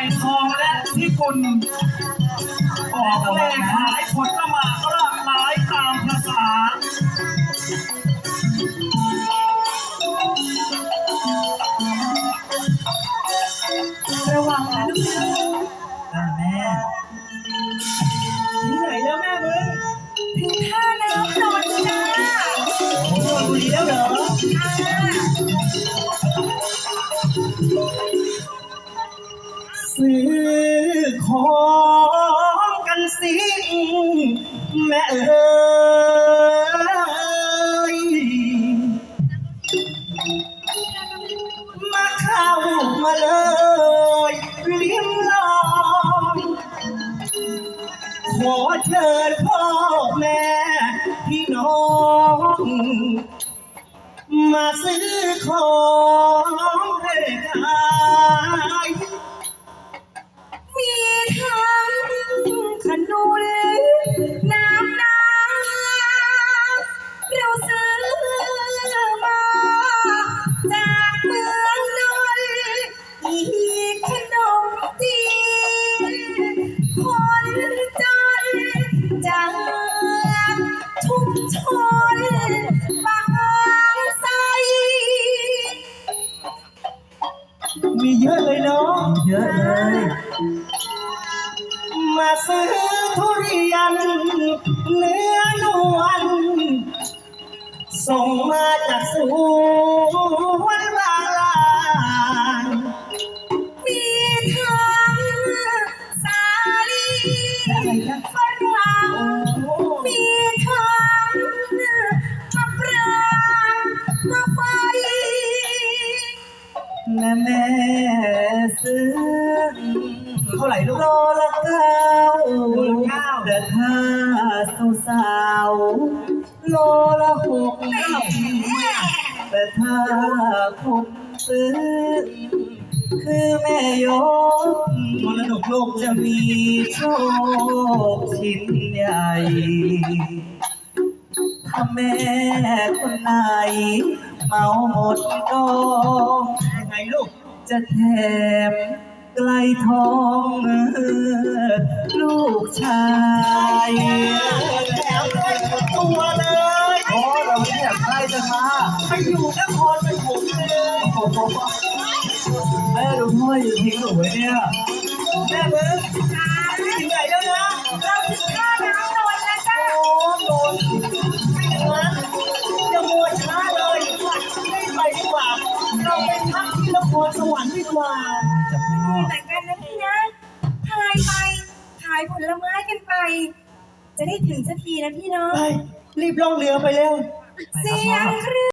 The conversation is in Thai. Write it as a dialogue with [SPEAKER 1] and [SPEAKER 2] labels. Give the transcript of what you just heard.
[SPEAKER 1] ทองและพิกุลออกแม่ขายผลละหมากรากไม้ตามภาษา
[SPEAKER 2] ระวังนะลูก
[SPEAKER 3] แม่
[SPEAKER 2] ที่ไหนแล้วแม่มึงถึงท่าน้ำนอนจ้า
[SPEAKER 3] โอ้ดูดีแล้วเหรอ
[SPEAKER 2] ซื้อของกันสิแม่เอ๋ยมาเข้ามาเลยลิ้มลองขอเชิญพ่อแม่พี่น้องมาซื้อของให้ขายมีทั้งขนุนน้ำเราซื้อมาจากเมืองนนท์อีกขนมจีนคนจนจากทุกชนบางไทรมีเยอะเลยเนาะ
[SPEAKER 3] เยอะเลย
[SPEAKER 2] มาซื้อทุเรียนเนื้อนวลส่งมาจากสวนบางลานมีทั้งสาลีฝรั่งมีทั้งมะปรางมะไฟ
[SPEAKER 3] แม่ซื้อ
[SPEAKER 2] เท่าไหร่ลูก
[SPEAKER 3] โลละเก้าแต่ถ้าสาวๆโลละหกแต่ถ้าผมซื้อคือแม่ยก
[SPEAKER 2] มรดกโลก
[SPEAKER 3] จะมีโชคชิ้นใหญ่ถ้าแม่คนไหนเมาหมดก็
[SPEAKER 2] ยังไงลูก
[SPEAKER 3] จะแถมไกลทองลูกชาย
[SPEAKER 2] แถมได้ตัวเลย
[SPEAKER 3] โอ้เราไม่อยากได้จะมา
[SPEAKER 2] ไปอยู่นครปฐมเลย
[SPEAKER 3] แม่ดูพ่ออยู่ทิ้งหนูไว้เนี่ย
[SPEAKER 2] แม่มึงถึงไหนแล้วนะเราถึงท่าน้ำนนท์แล้วจ้าโอ้นนท์ไม่อย่างนั้นจะมัวช้าเลยไม่ไปดีกว่าเราไปพักที่นครสวรรค์ดีกว่า
[SPEAKER 4] เหมือนกันนะพี่นะพายไปขายผลไม้กันไป จะได้ถึงสักทีนะพี่เนาะ
[SPEAKER 2] ไปรีบล่องเรือไปเร็ว
[SPEAKER 4] เสียงเครื่อง